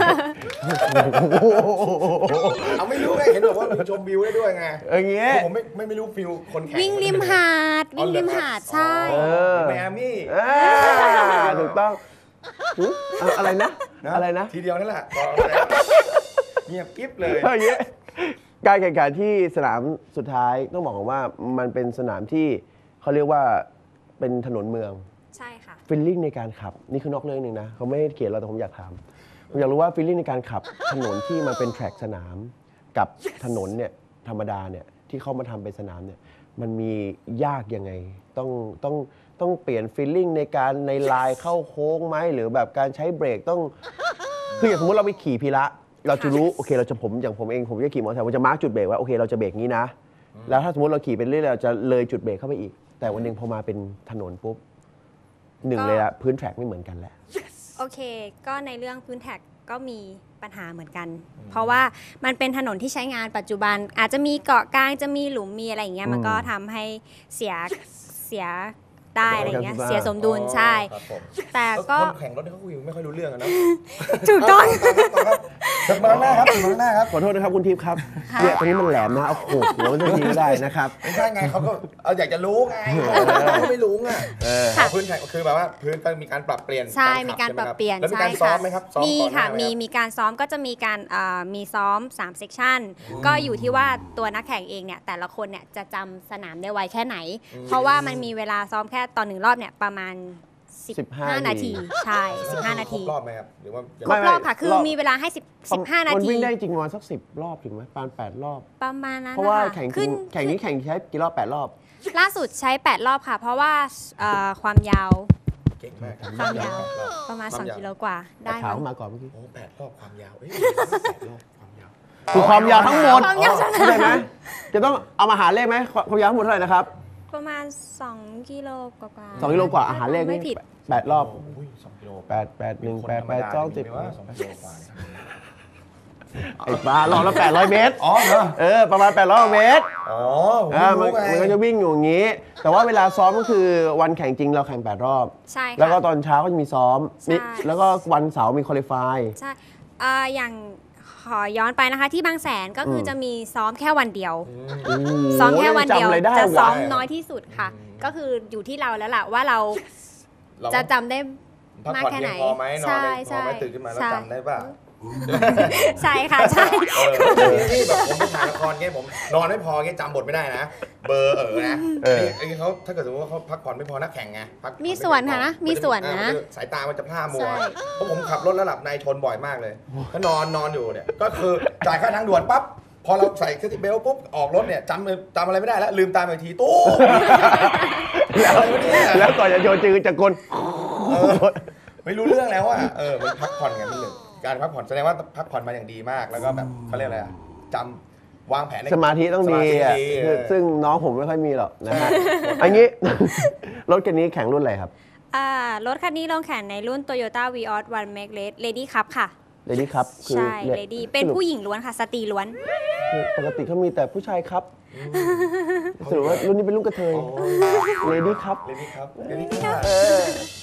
เอาไม่รู้ไงเห็นบอกว่ามีชมวิวได้ด้วยไง
เอออย่างเงี้ย
ผมไม่ไม่ไม่รู้ฟิลคนแข่ง
วิ่งริมหาด วิ่งริมหาดใช่
เออ
ไมอามี่
อ่าถูกต้องหึเอาอะไรนะ อะไรนะ
ทีเดียวนั่นแหละเงียบกิ๊บเลย
เอออย่างเงี้ยการแข่งขันที่สนามสุดท้ายต้องบอกก่อนว่ามันเป็นสนามที่เขาเรียกว่าเป็นถนนเมือง
ใช่ค่ะ
ฟีลลิ่งในการขับ นี่คือนอกเรื่องหนึ่งนะเขาไม่ได้เขียนเราแต่ผมอยากถามผมอยากรู้ว่าฟีลลิ่งในการขับถนนที่มันเป็นแทร็กสนาม กับถนนเนี่ยธรรมดาเนี่ยที่เขามาทำเป็นสนามเนี่ยมันมียากยังไง ต้องต้องต้องเปลี่ยนฟีลลิ่งในการในลายเข้าโค้งไหมหรือแบบการใช้เบรกต้องคืออย่างสมมติเราไปขี่พีระเราจะรู้โอเคเราจะผมอย่างผมเองผมจะขี่มอเตอร์ไซค์ผมจะมาร์กจุดเบรกว่าโอเคเราจะเบรกนี้นะแล้วถ้าสมมติเราขี่ไปเรื่อยๆเราจะเลยจุดเบรกเข้าไปอีก แต่วันหนึ่งพอมาเป็นถนนปุ๊บหนึ่งเลยอะพื้นแทร็กไม่เหมือนกันแหละ
โอเค ก็ในเรื่องพื้นแท็กก็มีปัญหาเหมือนกัน เพราะว่ามันเป็นถนนที่ใช้งานปัจจุบัน อาจจะมีเกาะกลางจะมีหลุมมีอะไรอย่างเงี้ย มันก็ทำให้เสียเสียได้อะไรอย่างเงี้ย เสียสมดุลใช่
ครับผม
แต่ก็
คนแข่งรถเขาคุยไม่ค่อยรู้เรื่องอะนะ
ถูกต้อง
ถึงมาข้างหน้าครับถึงมาข้างหน้าครับ
ขอโทษนะครับคุณทิพย์ครับเนี่ยตรงนี้มันแหลมนะเอาโขกหัวมันจะทีไม่ได้นะครับ
ไม่ใช่ไงเขาก็เอาอยากจะรู้ไงเขาไม่รู้ไง
ค่ะ
พื้นแข่งคือแบบว่าพื้นก็มีการปรับเปลี่ยน
ใช่
ขับ
มีการปรับเปลี่ยน
แล้วมี
ใช่
การซ้อ
ค่ะ
มไหมครับซ้อม
มี
ก่อนหน้า
ค่ะ
ไห
มี
รับ
มีการซ้อมก็จะมีการเอ่อมีซ้อมสามเซกชันก็อยู่ที่ว่าตัวนักแข่งเองเนี่ยแต่ละคนเนี่ยจะจำสนามได้ไวแค่ไหน เพราะว่ามันมีเวลาซ้อมแค่ตอนหนึ่งรอบเนี่ยประมาณ สิบห้า
สิบห้า
นาทีใช่ สิบห้า นาที
ครบรอบไหมครับหรือว่า
ครบรอบค่ะ คือ
รอบ
มีเวลาให้สิบ สิบห้า นา
มัน
ที
วิ่งได้จริงประมาณสักสิบรอบถึงไหมประมาณแปดรอบ
ประมาณนั้น
เพราะว่า
นะคะ
แข่งจริ
ขึ้
ง
น
แข่งนี้แข่งใช้กี่รอบแปดรอบ
ล่าสุดใช้ แปด รอบค่ะ เพราะว่าเอ่อความยาว
เก่งมากครับ
ความยาว
แปดรอบ
ประมาณ
ความ
สอง
ยาว
กิโลกว่าได้
ขาว
มั้ง
มาก่อนเมื่อกี้
โอ้แปดรอบความยาวเอ้ยแปดรอบความยาว
คือความยาวทั้งหมด
ความยาวทั้งหมด
เข้าใจไหมจะต้องเอามาหารเลขไหมความยาวทั้งหมดเท่าไหร่นะครับ
ประมาณสองกิโลกว่าๆ
สองกิโลกว่าอาหารเลข
ไม่
นี่
ผิด
แปดรอบ
โอ้ยสองกิโล
แปดแปดหนึ่งแปดแปดสองสิบ
คนธรรมดาเนี่ยมีไหมว่าสองกิโลกว่าเนี่ย
ไอ้ปลารอบละแปดร้อยเมตร
อ๋อเหรอ
เออประมาณแปดร้อยเมตร
อ๋อผม
อ่า
ไม่
มัน
รู้ไง
มันก็จะวิ่งอยู่อย่างนี้ แต่ว่าเวลาซ้อมก็คือวันแข่งจริงเราแข่งแปดรอบ
ใช่ค่ะ
แล้วก็ตอนเช้าก็จะมีซ้อม
ใช่
นี่แล้วก็วันเสาร์มีคอลิฟาย
ใช่เอ่ออย่างขอย้อนไปนะคะที่บางแสนก็คืออ
ม
จะมีซ้อมแค่วันเดียว
โอ้โห
ซ้อมแค่วันเดียว
จำอะไรได้
จะ
ว
ซ้อมน้อยที่สุดค่ะ ก็คืออยู่ที่เราแล้วล่ะว่าเรา
เรา
จะจำได้
พัก
มาก
ผ่อน
แค่
เพี
ไหน
ยงพอไหมนอน
ใช่
ได้พอไหม
ใช่
ตื่นขึ้นมาแล้ว
ใช่
จำได้ป่ะ
ใช่ค่ะใช่
เออนี่แบบผมไปถ่ายละครเงี้ยผมนอนไม่พอเงี้ยจำบทไม่ได้นะ เบอร์เออนะ
เออ
นี่ไอ้เขาถ้าเกิดสมมติว่าเขาพักผ่อนไม่พอนักแข่งไงพักผ่อ
มี
ไเพียง
ส่วน
พอ
ค่ะนะ
มัจ
มีส่วนนะ
อ่ามัจสายตามันจะพร่ามัว
ใช่
เพราะผมขับรถแล้วหลับในชนบ่อยมากเลยก็นอนนอนอยู่เนี่ยก็คือจ่ายค่าทางด่วนปั๊บพอเราใส่เซติเบลปุ๊บออกรถเนี่ยจำจำอะไรไม่ได้แล้วลืมตาไปทีตู้
แล้ว
อะไรวะเนี่ย
แล้วก่อนจะโยนจือจะกล
เออไม่รู้เรื่องแล้วอ่ะเออมันพักผ่อนไงมันหนึ่งการพักผ่อนแสดงว่าพักผ่อนมาอย่างดีมากแล้วก็แบบเขาเรียกอะไรอ่ะจำวางแผนใน
สมาธิต้องดีอ่ะ
สมาธิดี
คือ
เออ
ซึ่งน้องผมไม่ค่อยมีหรอกนะฮะ อันนี้ รถคันนี้แข่งรุ่นอะไรครับ
อ่ารถคันนี้ลงแข่งในรุ่น Toyota Vios One Make Lady Cup ค่ะ
เลดี้ครับคือ
ใช่
นี่ย
Lady เป็นผู้หญิงล้วนค่ะ สตรีล้วน
คือปกติเขามีแต่ผู้ชายครับสรุปว่ารุ่นนี้เป็นรุ่นกระเทยเลดี้ครับ
เลนี่ครับเลนี่ครับ
เออ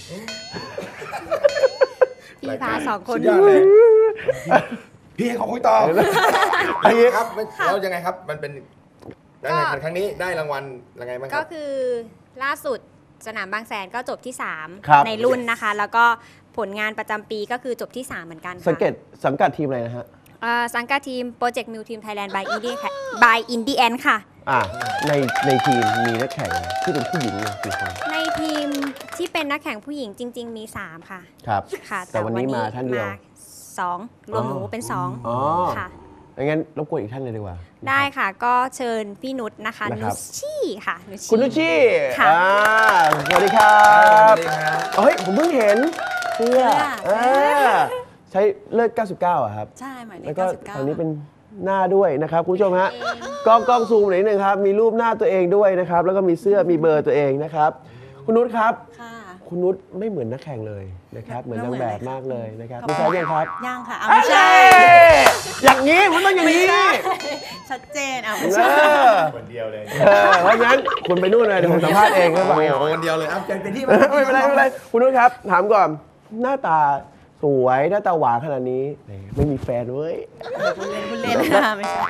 พี่พาสองคน
สุดยอดเลยพี่ให้เขาคุยต่อ
อันนี้
ครับไม่แล้วยังไงครับ มันเป็นการแข่งขันครั้งนี้ได้รางวัลยังไงบ้างค
ก็
รับ
คือล่าสุดสนามบางแสนก็จบที่
ครับ
สาม ในรุ่นนะคะ แล้วก็ผลงานประจำปีก็คือจบที่ สาม เหมือนกันค่ะ
สังเกตสังกัดทีมอะไรนะฮะ
เอ่อสังกัดทีม Project Mule Team Thailand by Indie by Indie Ant ค่ะ
อ่ะในในทีมมีนักแข่งที่เป็นผู้หญิงเนี่ยกี่คน
ในทีมที่เป็นนักแข่งผู้หญิงจริง ๆ มี สาม ค่ะ
ครับ
ค่ะ
แต่วันนี้มาท่านเดียว
มสองรวมหนูเป็น สอง
อ๋อ
ค่ะ
งั้นรบกวนอีกท่านเลยดีกว่า
ได้ค่ะก็เชิญพี่นุชนะคะ
นะค
นุ
รับ
ชชี่ค่ะนุชชี่
คุณนุชชี่
ค่ะ
อ่าสวัสดีครับ
สวัสดีครับ
เฮ้ย ผมเพิ่งเห็นเสื้อ
เสื้อ
อ่าใช้เลิกเก้าสิบเก้าอะครับ
ใช่หมายเล
แล้
ข
วก็
เก้าสิบเก้า
ตอนนี้เป็นหน้าด้วยนะครับคุณผู้ชมฮะ
เอง
กล้องกล้องซูมหน่อยนิดนึงครับ มีรูปหน้าตัวเองด้วยนะครับ แล้วก็มีเสื้อมีเบอร์ตัวเองนะครับ คุณนุชครับ
ค่ะ
คุณนุชไม่เหมือนนักแข่งเลยนะครับเหมือนนางแบบมากเลยนะครับ
ขอบ
ไม่
คุณ
ใช่ยังครับ
ย่างค่ะเอาไม่ใช่
อย่างนี้มันต้องอย่างนี้
ชัดเจนเอาไม่
เอ
ใช่
อ
คนเดียวเลย
เออเพราะฉะนั้นคุณไปนู่นเลยเดี๋ยวผมสัมภาษณ์เองครับ
โอ้โหคนเดียวเลยเอาเป็นที่
ไม่เป็นไรไม่เป็นไรคุณนุชครับ ถามก่อนหน้าตาสวยหน้าตาหวานขนาดนี้ไม่มีแฟนเว้ย
คุณเล่นคุณเล่นค่ะไม่ใช่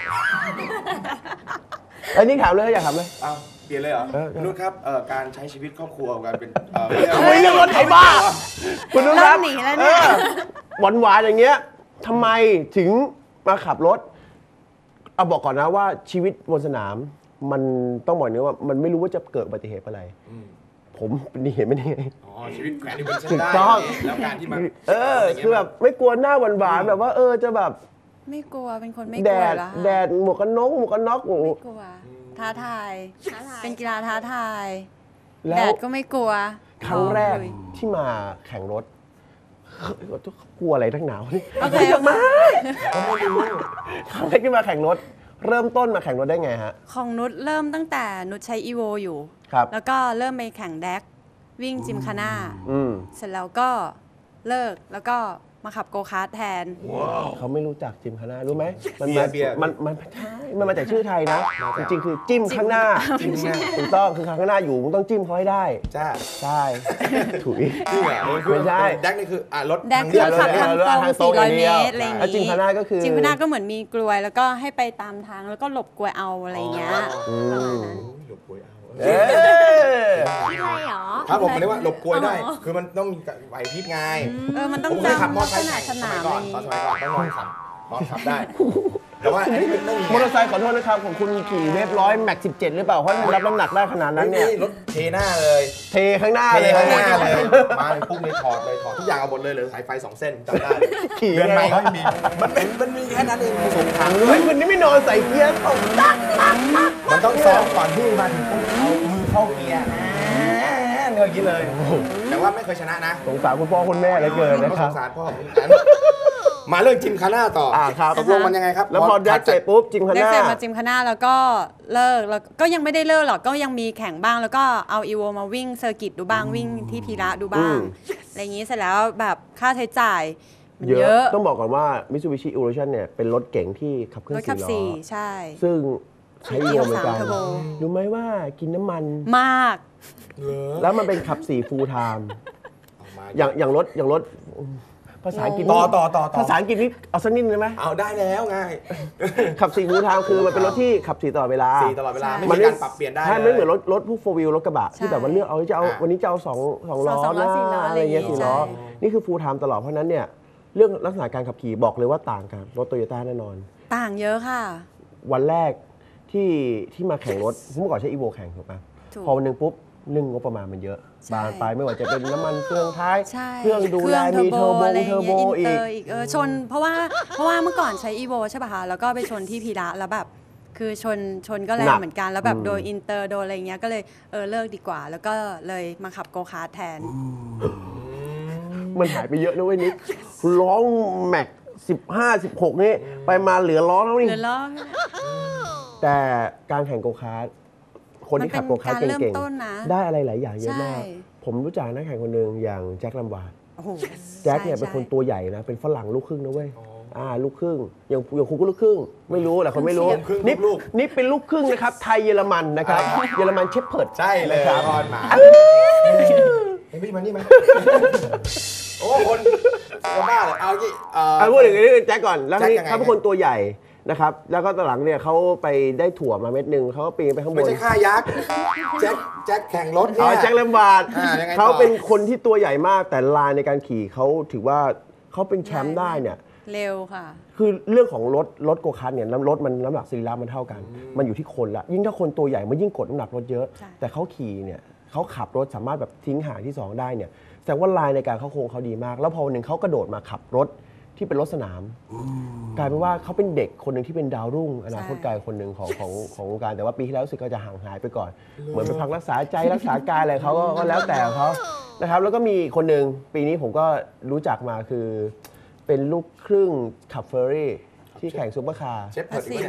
ไอ้ยนี่ถามเลยอยากถามเลย
เอาเปลี่ยนเลยเหรอ
เออ
คุณนุชครับเอ่อการใช้ชีวิตครอบครัวการเป็นเอ่อ
เฮ้ยเรื่องรถไถบ้าคุณนุชครับ
เริ่มหนีแล้วเนี่ย
หวานหวานๆอย่างเงี้ยทำไมถึงมาขับรถเอาบอกก่อนนะว่าชีวิตบนสนาม มันต้องบอกอย่างนี้ว่ามันไม่รู้ว่าจะเกิดอุบัติเหตุอะไร
อืม
ผมเป็นนี่เห็นไม่ได้ไง
อ๋อชีวิตแขวนอยู่บนเส้น
ถูก
ได้
ต้อง
แล้วการที่มา
เออ คือแบบไม่กลัวหน้าหวานหวานๆแบบว่าเออจะแบบ
ไม่กลัวเป็นคนไม่ก
แด
ลัว
ด
แล้ว
แดดหมวกกันน็อกหมวกกันน็อกโอ้โห
ไม่กลัวท้าทาย
ท้าทาย
เป็นกีฬาท้าทาย
แล้
แด
ว
ดก็ไม่กลัว
ครั้งแรก
ลุย
ที่มาแข่งรถกลัวอะไรทั้งหนาวนี่
โอเค
จะมาครั้งแรกที่มาแข่งรถ เริ่มต้นมาแข่งรถได้ไงฮะ
ของนุชเริ่มตั้งแต่นุชใช้อีโวอยู่
ครับ
แล้วก็เริ่มไปแข่งแดกวิ่งจิมคาน่า
อืม
เสร็จแล้วก็เลิกแล้วก็มาขับโกคาร์ทแทน
เขาไม่รู้จักจิมข้างหน้ารู้ไหมมัน
เบีย
มา
ร์เบียร์
มันมันไม่ใช่มันมาจากชื่อไทยนะ จริงๆคือจิ้มข้างหน้า
จริงๆเนี่ย
ถูกต้องคือข้างหน้าอยู่มึงต้องจิ้มเขาให้ได้
จ้า
ใช่ถุย
จริงเหรอ
ไม่ใช่
แดกนี่คืออ่ะรถ
แดกคือ
ทาง
ขับ
เลือก
ทางตรง
ทางตรง
สี่ร้อย
อย่างเดี
เม
ยว
ตรอะไรอย่าง
แล้วจิมคาน่าก็คือ
จิมคาน่าก็เหมือนมีกลวย แล้วก็ให้ไปตามทางแล้วก็หลบกลวยเอาอะไรอย่างเงี้ย
อืม
หลบกลวยเอา
เอ๊ะ
ใช่เหรอ
ครับผมเรียกว่าหลบกลวยได้
อ๋อ
คือมันต้องมีไหวพริบไง
เออมันต้อ
ผ
ง
มเคยขับ
จำ
มอ
ลั
เตอก ร์ไซ
ษ
ค์
ณะ
แข่ง
ส
ส
นาม
มัย
อะไร
ก่
อ
อน
ย่าง
ตอน
งี้
สมัยก่อนต้องนอนขับนอนขับได้ แต่ว่าอันนี้มันต้องมี
มอเตอร์ไซค์ขอโทษนะครับของคุณขี่เวฟร้อยแม็กสิบเจ็ดหรือเปล่าเพราะรับน้ำหนักได้ขนาดนั้นเนี่ย
รถเทหน้าเลย
เทข้างหน้า
เท
เลย
ข้างหน้าเลย มาเลยปุ๊บเลยถอดเลยถอดทุกอย่างเอาหมดเลยเหลือสายไฟสองเส้นจำได้เลย
ขี่
เดือนใหม่
ไง
ก็ไม่มี มันเป็นมันมีแค่นั้นเองผสมถัง
เฮ้ยคุณนี่ไม่นอนใส่เกียร์ตกตักตักตัก
มันต้องซ้อมก่อนที่มาถึงปุ๊บเอามือเข้าเกียร์เงยกินเลย แต่ว่าไม่เคยชนะนะ
สงสารคุณพ่อคุณแม่เหลือเกินนะค
ส
รับ
งสารพ่อเหมือนกันมาเรื่องจิมคาน่าต่อ
อ่าครับ
ตกลงมันยังไงครับ
แล้วพอแดกเสร็จปุ๊บจิมข้าง
ได้
หน้า
เสร็จมาจิมคาน่าแล้วก็เลิกแล้วก็ยังไม่ได้เลิกหรอกก็ยังมีแข่งบ้าง แล้วก็เอาอีโวมาวิ่งเซอร์กิตดูบ้างวิ่งที่พีระดูบ้าง
อืม
อะไรอย่างนี้เสร็จแล้วแบบค่าใช้จ่ายมัน
เย
เย
อะ
อะ
ต้องบอกก่อนว่า Mitsubishi Evolution เนี่ยเป็นรถเก๋งที่ขับเคลื่
ร
อ
ถ
น
ขับ
สี่ล้
สี่
อ
ใช่
ซึ่งใช้รวมเหมือนกัน
เทอร์โบ
รู้ไหมว่ากินน้ำมัน
มาก
เหรอ
แล้วมันเป็นขับสี่ full time
เอามา
อย่างอย่างรถอย่างรถภาษาอังกฤษ
ต่อต่อต่อต่อ
ภาษาอังกฤษนี่เอาสักนิดได้ไหม
เอาได้แล้วไง
ขับสี่ full time คือมันเป็นรถที่ขับสี่ตลอดเวลา
สี่ตลอดเวลา ไม่
มั
มีการปรับเปลี่ยนได้
ใช่
เล
ไม่
ย
เหมือนรถรถพวกโฟวิลรถกระบะ
ใช่
ที่แบบว่าเลือกเอาจะเอา
อ่ะ
วันนี้จะเอาสองสองล้อ
สองล้อสี่ล้อ
นะ
อะ
อะไร ไร
อย่างเงี้
เงี้ย
ย
สี่ล้อ
ใช่
นี่คือ full time ตลอดเพราะฉะนั้นเนี่ยเรื่องลักษณะการขับขี่บอกเลยว่าต่างกันรถโตโยต้าแน่นอน
ต่างเยอะค่ะ
วันแรกที่ที่มาแข่งรถเมื่อก่อนใช้อีโวแข่งถูกปะ
ถูก
พอวันหนึ่งปุ๊บเรื่องงบประมาณมันเยอะ
ใช่
บานไปไม่ว่าจะเป็นน้ำมันเครื่องท้าย
ใช่
เครื่องดูแลมีเทอร์โบ
อะไร
เทอร์โบ
งี้ย
อี
อิน
ก
เตอร์อีกเออชน เพราะว่าเพราะว่าเมื่อก่อนใช้อีโวใช่ป่ะคะแล้วก็ไปชนที่พีระแล้วแบบคือชนชนก็แร
หนั
ง
ก
เหมือนกันแล้วแบบ
อืม
โดนอินเตอร์โดนอะไรเงี้ยก็เลยเออเลิกดีกว่า แล้วก็เลยมาขับโกคาร์ทแทน
มันหายไปเยอะนะเว้ยนิกล้อแม็กสิบห้าสิบหกนี่ไปมาเหลือล้อแล้วนี่
เหลือล้อ
แต่การแข่งโกคาร์ทคนที่ขับโกคาร์ท
มันเป็นการเริ่ม
เก่ง
ต้นนะ
ๆได้อะไรหลายอย่างเยอะมาก
ใช่
ผมรู้จักนักแข่งคนหนึ่งอย่างแจ็คลัมวาร์ด
โอ้โห
แจ็คเนี่ย
ใช่
เป็นคน
ใช่
ตัวใหญ่นะเป็นฝรั่งลูกครึ่งนะเว้ยอ่าลูกครึ่งอย่างอย่างคุณก็ลูกครึ่งไม่รู้แหละคนไม่รู้
ครึ่ง
นี่
ลูก
นี่เป็นลูกครึ่งนะครับไทยเยอรมันนะครับเยอรมันเชฟเพิร์ด
ใช่เลย
นะครับ
พรหมาเฮ้ยพี่มานี่ไหมโอ้คนจะบ้าเลยเอาที่เอ่อ
อ่ะพูดถึงนี้แจ็คก่อนแล้ว
แจ็ค
นี่
ยังไง
เขาเป็นคนตัวใหญ่นะครับแล้วก็ตอนหลังเนี่ยเขาไปได้ถั่วมาเม็ดหนึ่งเขาก็ปีนไปข้างบ
ไม่
น
ใช่ค่ายักษ์แจ็คแจ็คแข่งรถ
อ๋
เนี่
อย แจ็คแลมบาร์ด
อ่ายังไงต่อ
เขาเป็นคนที่ตัวใหญ่มากแต่ลายในการขี่เขาถือว่าเขาเป็นแชมป์ได้เนี่ย
เร็วค่ะ
คือเรื่องของรถรถโกคาร์ทเนี่ยน้ำรถมันน้ำหนักสรีระมันเท่ากัน มันอยู่ที่คนละยิ่งถ้าคนตัวใหญ่มันยิ่งกดน้ำหนักรถเยอะ
ใช่
แต่เขาขี่เนี่ยเขาขับรถสามารถแบบทิ้งห่างที่สองได้เนี่ยแสดงว่าลายในการเข้าโค้งเขาดีมาก แล้วพอวันหนึ่งเขากระโดดมาขับรถที่เป็นรถสนาม กลายเป็นว่าเขาเป็นเด็กคนหนึ่งที่เป็นดาวรุ่งอนาคตไกลคนหนึ่งของของของวงการแต่ว่าปีที่แล้วรู้สึกก็จะห่างหายไปก่อน เหมือนไปพักรักษาใจรักษากายอะไรเขาก็ก็แล้วแต่เขานะครับแล้วก็มีคนหนึ่งปีนี้ผมก็รู้จักมาคือเป็นลูกครึ่งขับเฟอร์รี่ที่แข่งซูเปอร์คาร์
เชฟเพิร์ดอีกเนี่ย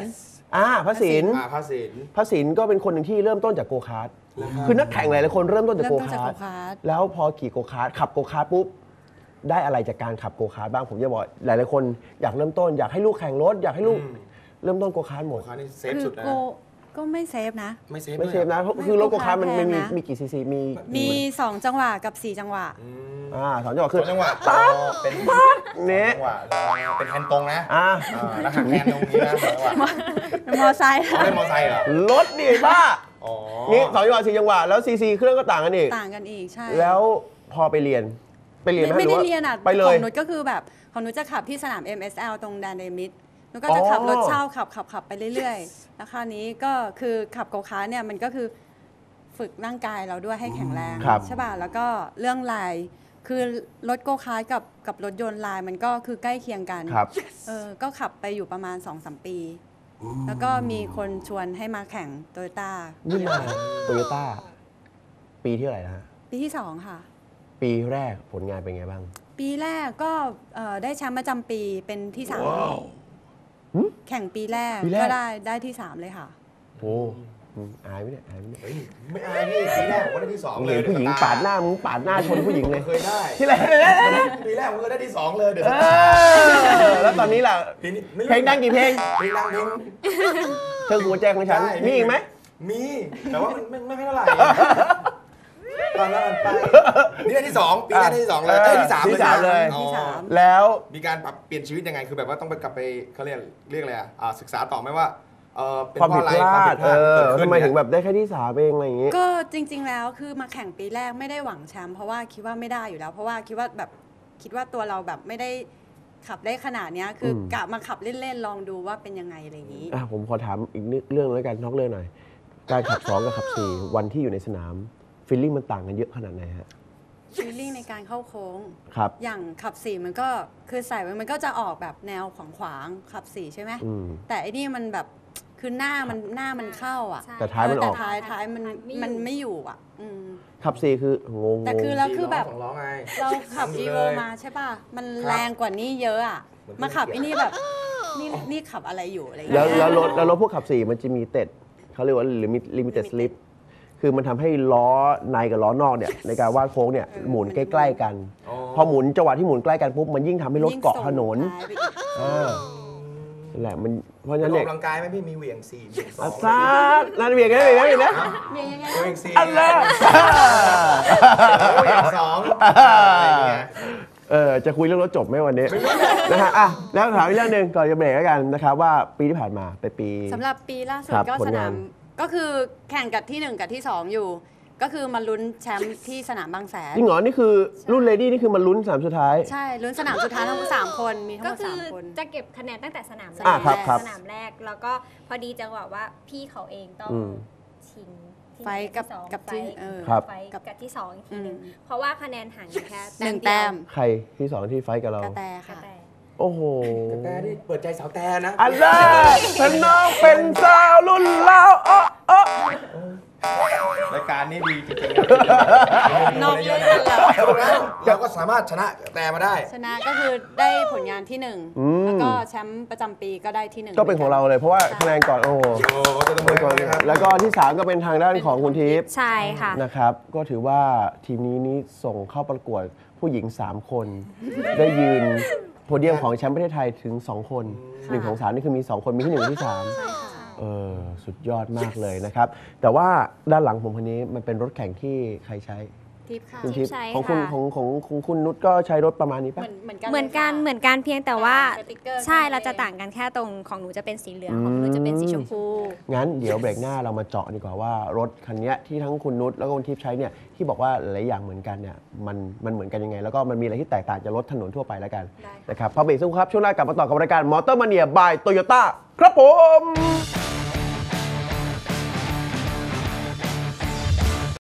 อ่าพระศิลป์
อ่าพระศิลป์
พระศิลป์ก็เป็นคนหนึ่งที่เริ่มต้นจากโกคาร์ทคือนักแข่งหลายๆคนเริ่มต้นจาก
เริ่
โก
มต้นจาก
คาร์ท
โกคาร์ท
แล้วพอขี่โกคาร์ทขับโกคาร์ทปุ๊บได้อะไรจากการขับโกคาร์ทบ้างผมจะบอกหลายๆคนอยากเริ่มต้นอยากให้ลูกแข่งรถอยากให้ลูกเริ่มต้นโกคาร์ทหมด
โกคาร์ทนี่เซฟ
คือ
สุดนะ
โกก็ไม่เซฟนะ
ไม่เซฟ
ไม่เซฟ
ด้วย
นะเพราะ
ไม่
คือรถโกคาร์ทมัน
โกคาร์ท
มี
แพงนะ
มีกี่ซีซีมี
มี สอง จังหวะกับ สี่ จังหวะ
อืม
อ่าสองจังหวะ
ส
คือ
องจังหวะเป็น
เนี่ย
จังหวะเป็นแฮนด์ตรงนะ
อ่า
อ่าแล้วหักแฮนด์ตรงนี้นะสองจังหวะ
มอไซค์
เขาเล่นมอไซค์เหรอ
รถดิบ้า
อ๋อ
นี่สองจังหวะสี่จังหวะแล้วซีซีเครื่องก็ต่างกันอีก
ต่างกันอีกใช่
แล้วพอไปเรียนไปเรียน
ไม่
ห
ไม่
ห
ได้
ว่า
เรียนอ่ะ
ไปเล
ข
ย
องนุชก็คือแบบของนุชจะขับที่สนาม เอ็ม เอส แอล ตรงแดนเดมิดนุชก็จะขับ
อ๋อ
รถเช่าขับขับขับไปเรื่อยๆ แล้วคราวนี้ก็คือขับโกคาร์ทเนี่ยมันก็คือฝึกร่างกายเราด้วยให้แข็งแรง
ครับ
ใช่ป่ะแล้วก็เรื่องลายคือรถโกคาร์ทกับกับรถยนต์ลายมันก็คือใกล้เคียงกัน
ครับ
เออก็ขับไปอยู่ประมาณ สองสาม ปี แล้วก็มีคนชวนให้มาแข่งโตโยต้า
นี่มาโตโยต้าปีที่เท่าไหร่นะฮะ
ปีที่สองค่ะ
ปีแรกผลงานเป็นไงบ้าง
ปีแรกก็เอ่อได้แชมป์ประจำปีเป็นที่สาม
หึ
แข่งปีแรก
ปีแรก
ก็ได้ได้ที่สามเลยค่ะ
โอ้อืมอายไหมเนี่ยอายไหมเนี่ย
เฮ้ยไม่อายพี่ปีแรกผมก็ได้ที่สอง
ผม
เล
เห็
ย
นผู้หญิงปาดหน้ามึงปาดหน้าชนผู้หญิงเลย
เคยได้
ที่ไหน
ปีแรกผมก็ได้ที่สองเลยเดี๋ยว
เออแล้วตอนนี้ล่ะ
ปีนี้ไม่รู้
เพลงดังกี่เพลง
เพลงดังเพลง
เธอหัวใจของฉัน
ใช่
มีอีกไหม
มีแต่ว่ามันไม่ไม่ไม่เท่าไหร่ตอนนั้นไปนี่ได้ที่สองปีแรกได้ที่สองเลยได้ยที่สาม
ที่สามเลย
อ๋อ
ที่สาม
แล้ว
มีการปรับเปลี่ยนชีวิตยังไงคือแบบว่าต้องไปกลับไปเขาเรียกเรียกอะไรอ่ะอ่าศึกษาต่อไหมว่าเออเป็น
ความ
เพ
ผิ
ราะ
ด
อะไร
พลาด
ความผิดพ
เอ
ลาด
อ
เกิดขึ้น
ทำไมถึง
เนี่ย
แบบได้แค่ที่สามเองอะไรอย่างงี้
ก็จริง ๆ แล้วคือมาแข่งปีแรกไม่ได้หวังแชมป์เพราะว่าคิดว่าไม่ได้อยู่แล้ว เพราะว่าคิดว่าแบบคิดว่าตัวเราแบบไม่ได้ขับได้ขนาดเนี้ยคืออ
ม
กะมาขับเล่นๆลองดูว่าเป็นยังไงอะไรอย่างนี้
อ่ะผมขอถามอีกนิดเรื่องแล้วกันนอกเรื่องหน่อย การขับสองกับขับสี่วันที่อยู่ในสนามฟีลลิ่งมันต่างกันเยอะขนาดไหนฮะ
ฟีลลิ่งในการเข้าโค้ง
ครับ
อย่างขับสี่มันก็คือใส่มันก็จะออกแบบแนวขวางขวางๆขับสี่ใช่ไหม
อืม
แต่อันนี้มันแบบคือหน้ามันหน้ามันเข้าอ่ะ
ใช่
แต่ท้ายมันออก
แต่ท้ายท้ายมัน
มันไม่อยู่
มันไม่อยู่อ่ะอืม
ขับสี่คืองง
แต่คือแล้วคือแบบ
สองล้อไง
เราขับ
อยู่
อี
เล
โวย มาใช่ป่ะ มันแรงกว่านี้เยอะอ่ะ
เหมือน
มาขับ
เพื่
ไอ้
อน
นี่แบบ นี่นี่ขับอะไรอยู่อะไรอย่าง
แล้ว
เงี้ย
แล้วรถแล้วรถพวกขับสี่มันจะมีเต็ดเขาเรียกว่าลิมิตลิมิเต็ดสลิปคือมันทำให้ล้อในกับล้อนอกเนี่ยในการวาดโค้งเนี่ยหมุนใกล้ๆกัน
อ๋อ
พอหมุนจังหวะที่หมุนใกล้กันปุ๊บมันยิ่งทำให้รถเกาะถนน
ยิ่งส่งท้ายไปอีก
อ่านั่นแหละมันเพราะฉะ
อ
นั้น
อก
เนี่ย
กำลังกายไหมพี่มีเหวี่ยงสี่เหวี่ยงสอ
อาง ซาดนั่นเบียกกันเบียกกันเบียกนะ
เมียยังไง
เหวี่ยงสี่
อันละ
เหวี่ยงสองอะไรอย่างเงี้ย
เออจะคุยเรื่องรถจบไหมวันนี้นะฮะอ่ะแล้วถามอีกเรื่องหนึ่งก่อนจะเบรกแล้วกันนะครับว่าปีที่ผ่านมาเป็นปี
สำหรับปีล่าสุด
ครับ
ก็
ผล
ส
งาน
นาม ก็คือแข่งกับที่หนึ่งกับที่สองอยู่ ก็คือมาลุ้นแชมป์ที่สนามบางแสน
จริงเหรอนี่คือรุ่นเลดี้นี่คือมันลุ้นสามสุดท้าย
ใช่ลุ้นสนามสุดท้ายทั้งสามคนมีทั้งห
ก็
มด
คื
สา
อ
มคน
จะเก็บคะแนนตั้งแต่สนามแร
อ่ะ
ก
ครับครับ
สนามแรกแล้วก็พอดีจังหวะว่าพี่เขาเองต้อง
อืม
ชิงที่
ไฟท์กับ
ที่สอง
กับที่
ไฟท์
เออ
ครับ
ไฟท์กับที่สองอีกทีหนึ่ง
อืม
เพราะว่าคะแนนห่างกันแค่
หนึ่ง
เดียว
แต้ม
ใครที่สองที่ไฟท์กับเรา
กระแต
กระ
ค่ะ
แต
โอ้โห
แต่นี่เปิดใจสาวแต่นะ
อันแรกฉันน้องเป็นสาวรุ่นเล่าวอ้ออ้อ
รายการนี้ดีจริงๆ
นอกเรื่องกันแล้ว
เราก็สามารถชนะแต่มาได้
ชนะก็คือได้ผลงานที่หนึ่งแล้วก็แชมป์ประจำปีก็ได้ที่หนึ่ง
ก็เป็นของเราเลยเพราะว่าคะแนนก่อนโอ้โห
โอ้จะต้องไปก่อนนะครับ
แล้วก็ที่สามก็เป็นทางด้านของคุณทิพย์
ใช่ค่ะ
นะครับ ก็ถือว่าทีมนี้นี่ส่งเข้าประกวดผู้หญิง สาม คน ได้ยืนโพเดียมของแชมป์ประเทศไทยถึง สอง คนหนึ่งของสามนี่คือมี สอง คนมีที่หนึ่งที่สาม
ใช่ค่ะ
เออสุดยอดมากเลยนะครับ แต่ว่าด้านหลังผมคนนี้มันเป็นรถแข่งที่ใครใช้
ทิปค่ะ
คุณทิพย์
ใช้
ของคุณ
ค่ะ
ของของของคุณนุชก็ใช้รถประมาณนี้
เห
ปะ
มือนเหมือนกัน
เหมือนกัน
ลยค่ะ
เหมือนกันเพียงแต่ว่า
สติ๊กเกอร์
ใช่
แค่นั้น
เราจะ
เอง
ต่างกันแค่ตรงของหนูจะเป็นสีเหลืองของหนูจะเป็นสีชมพู
งั้นเดี๋ยวเบรกหน้าเรามาเจาะดีกว่าว่ารถคันนี้ที่ทั้งคุณนุชแล้วก็คุณทิพย์ใช้เนี่ยที่บอกว่าหลายอย่างเหมือนกันเนี่ยมันมันเหมือนกันยังไง แล้วก็มันมีอะไรที่แตกต่างจากรถถนนทั่วไปแล้วกัน
ได้ค่ะ
นะครับพักเบรกสักครู่ครับช่วงหน้ากลับมาต่อกับรายการมอเตอร์มาเนียบายโตโยต้าครับผม